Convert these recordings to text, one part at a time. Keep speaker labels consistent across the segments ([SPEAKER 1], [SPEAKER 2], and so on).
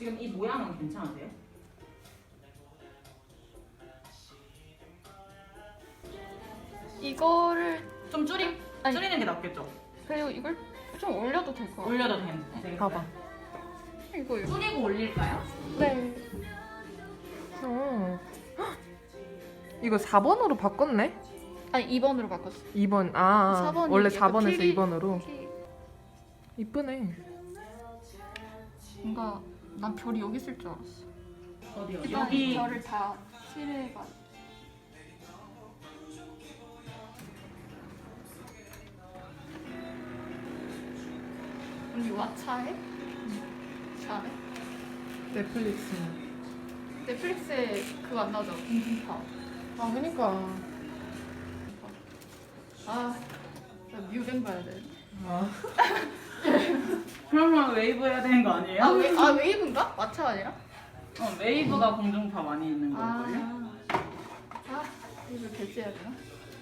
[SPEAKER 1] 지금 이 모양은 괜찮으세요?
[SPEAKER 2] 이거를
[SPEAKER 1] 좀
[SPEAKER 2] 아니.
[SPEAKER 1] 줄이는 게 낫겠죠?
[SPEAKER 2] 그리고 이걸 좀 올려도 될 것 같아.
[SPEAKER 1] 올려도 되겠어요?
[SPEAKER 3] 봐봐.
[SPEAKER 2] 이거요.
[SPEAKER 1] 줄이고 올릴까요?
[SPEAKER 2] 네.
[SPEAKER 3] 어. 헉! 이거 4번으로 바꿨네?
[SPEAKER 2] 아니 2번으로 바꿨어.
[SPEAKER 3] 2번.
[SPEAKER 2] 4번이
[SPEAKER 3] 원래
[SPEAKER 2] 약간
[SPEAKER 3] 4번에서
[SPEAKER 2] 필이-
[SPEAKER 3] 2번으로. 이쁘네.
[SPEAKER 2] 뭔가 난 별이 여기 있을 줄 알았어.
[SPEAKER 1] 어디요?
[SPEAKER 2] 일단
[SPEAKER 1] 여기
[SPEAKER 2] 별을 다 칠해봐. 언니 왓챠해? 잘해?
[SPEAKER 3] 넷플릭스.
[SPEAKER 2] 넷플릭스에 그거 안 나오죠? 공중파.
[SPEAKER 3] 아, 그니까.
[SPEAKER 2] 아, 나 뮤뱅 봐야 돼.
[SPEAKER 3] 아.
[SPEAKER 1] 그러면 웨이브 해야 되는 거 아니에요?
[SPEAKER 2] 웨이브인가? 왓챠 아니라?
[SPEAKER 1] 웨이브가 공중파 많이 있는 걸걸요?
[SPEAKER 2] 이거 결제해야 되나?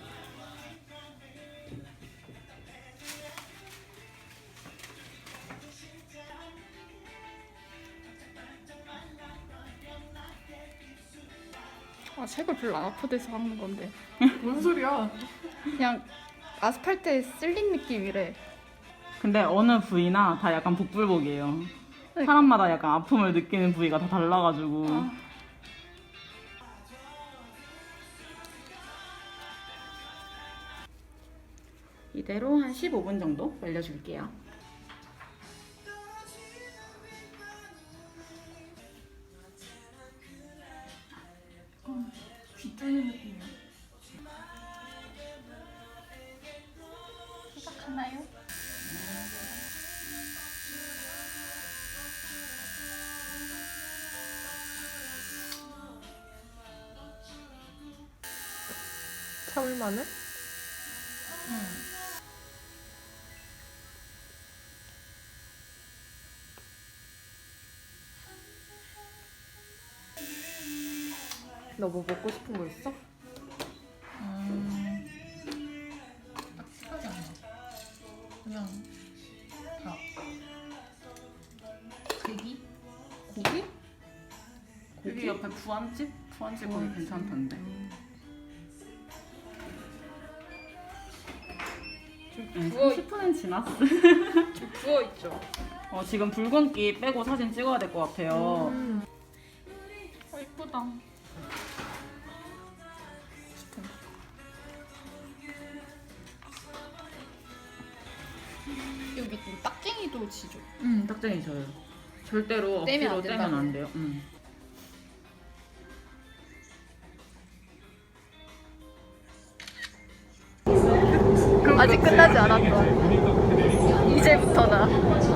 [SPEAKER 2] 색을 별로 안 아프대서 하는 건데
[SPEAKER 3] 뭔 소리야?
[SPEAKER 2] 그냥 아스팔트에 쓸린 느낌이래.
[SPEAKER 1] 근데 어느 부위나 다 약간 복불복이에요.
[SPEAKER 2] 네.
[SPEAKER 1] 사람마다 약간 아픔을 느끼는 부위가 다 달라가지고. 이대로 한 15분 정도 말려줄게요.
[SPEAKER 2] 귀 뚫는 느낌이야. 시작하나요?
[SPEAKER 3] 참을만해? 너 뭐 먹고 싶은 거 있어?
[SPEAKER 2] 딱딱하지 않아. 그냥 밥. 고기?
[SPEAKER 3] 고기?
[SPEAKER 1] 여기 옆에 부안집? 부안집 거기 괜찮던데. 네,
[SPEAKER 2] 부어
[SPEAKER 1] 10분은 지났어.
[SPEAKER 2] 좀 부어 있죠.
[SPEAKER 1] 지금 붉은기 빼고 사진 찍어야 될 것 같아요.
[SPEAKER 2] 이쁘다. 여기 좀 딱쟁이도 지죠.
[SPEAKER 1] 딱쟁이 져요. 절대로
[SPEAKER 2] 떼면 안
[SPEAKER 1] 억지로 떼면 안
[SPEAKER 2] 된다고요?
[SPEAKER 1] 돼요.
[SPEAKER 2] 아직 끝나지 않았던 이제부터다.